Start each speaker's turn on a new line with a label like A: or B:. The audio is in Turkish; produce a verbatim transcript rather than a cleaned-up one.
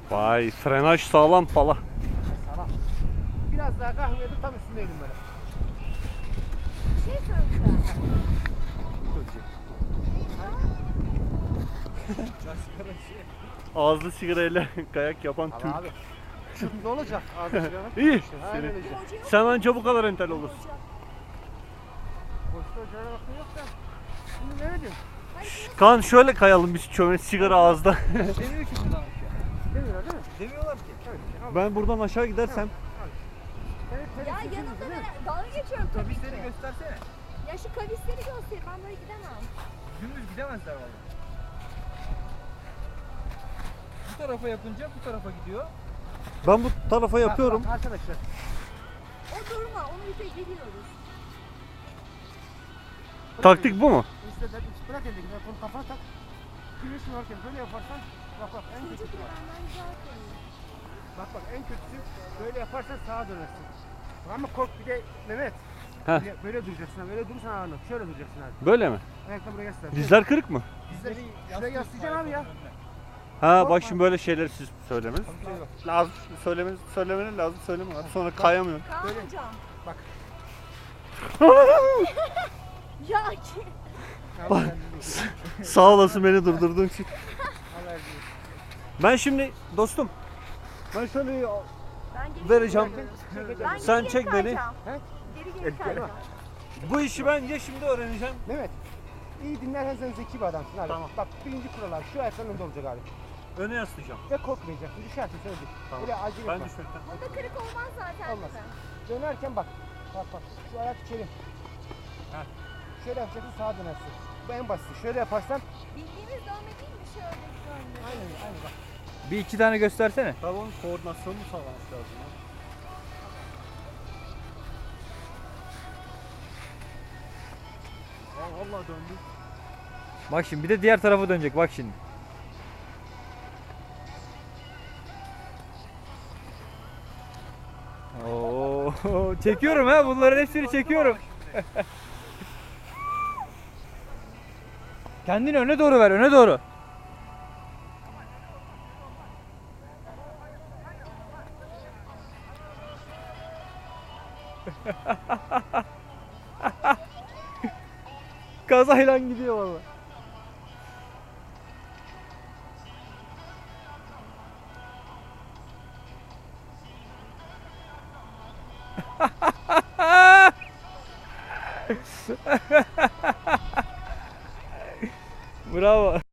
A: Vay, frenaj sağlam pala.
B: Tamam. Biraz daha kahveye tam üstündeydim böyle.
C: Bir şey söyleyeceğim.
A: Ağızlı sigarayla kayak yapan
B: Ama
A: Türk.
B: abi. Şu ne olacak? Ağzı çıkarmak.
A: İyi.
B: İşte, aynen
A: Seni.
B: öyle.
A: Sen anca bu kadar entel olursun.
B: Boşta ocağına bakın yok da. Şimdi ne diyeyim?
A: Kaan şöyle kayalım biz çöme sigara ağızda.
D: Demiyor ki buradan aşağı.
B: Demiyorlar değil mi?
D: Demiyorlar ki.
B: Evet. Al.
A: Ben buradan aşağı gidersem
B: Evet, evet,
C: Ya
B: evet,
C: yanımda
B: değil mi?
C: ben dalga geçiyorum tabii
D: Kavisleri
C: ki.
D: göstersene.
C: Ya şu kavisleri göster. Ben böyle gidemem.
D: Dümdüz gidemezler valla. Bu tarafa yapınca bu tarafa gidiyor.
A: ben bu tarafa yapıyorum.
B: Bak, bak, arkadaşlar.
C: O durma. Onu ipe geliyoruz.
A: Taktik bu mu?
B: İşte ben bırak elindeki telefonu kafana tak. Güneşin varken böyle yaparsan bak bak en
C: Çocuk
B: kötüsü var.
C: benden güzel koyuyor.
B: Bak bak en kötüsü böyle yaparsan sağa dönersin. Ama kork bir de Mehmet.
A: Heh.
B: Böyle, böyle duracaksın. Böyle durursan ağırlık. Şöyle duracaksın abi.
A: Böyle mi?
B: Ayakla buraya yaslan.
A: Dizler kırık mı?
B: Dizleri şuraya yaslayacaksın abi ya.
A: Ha bak şimdi böyle şeyleri siz söylemeniz
B: Şey yok.
A: lazım. Söylemeniz, söylemeniz lazım. Söyleme abi. Sonra kayamıyorum.
C: Kaan
B: Böyle.
C: hocam.
B: Bak.
C: Ya ki.
B: Bak.
A: Sağ olasın beni durdurduğun için. Ben şimdi dostum. Ben şöyle
C: Ben geri
A: vereceğim.
C: geri Ben
A: Sen
C: geri
A: çek
C: geri
A: beni.
C: kayacağım.
B: He?
C: Geri geri kayacağım.
A: Bu işi ben ya şimdi öğreneceğim.
B: Mehmet. İyi dinlersen sen zeki bir adamsın abi.
A: Tamam.
B: Bak birinci kurallar şu ayakların önünde olacak abi.
A: Öne yaslayacağım.
B: Ve korkmayacaksın. Düşersin söyledik.
A: Tamam.
B: Böyle acele
A: Ben
B: etme.
A: düşmekten.
C: Bunda kırık olmaz zaten.
B: Olmaz.
C: değil mi?
B: Dönerken bak. Bak bak. Şu ayak içeri.
A: Heh.
B: Şöyle yapacaksın sağa dönersin. Bu en basiti. Şöyle yaparsan
C: Bildiğimiz dönme değil mi? Şöyle dönme.
B: aynen aynen bak.
D: Bir iki tane göstersene.
A: Tabii onun koordinasyonunu sağlamak lazım. Ya. Aa, vallahi döndü.
D: Bak şimdi bir de diğer tarafa dönecek bak şimdi. Oo, çekiyorum ha bunların hepsini çekiyorum. Kendini öne doğru ver, öne doğru. Kazayla gidiyor valla. Bravo.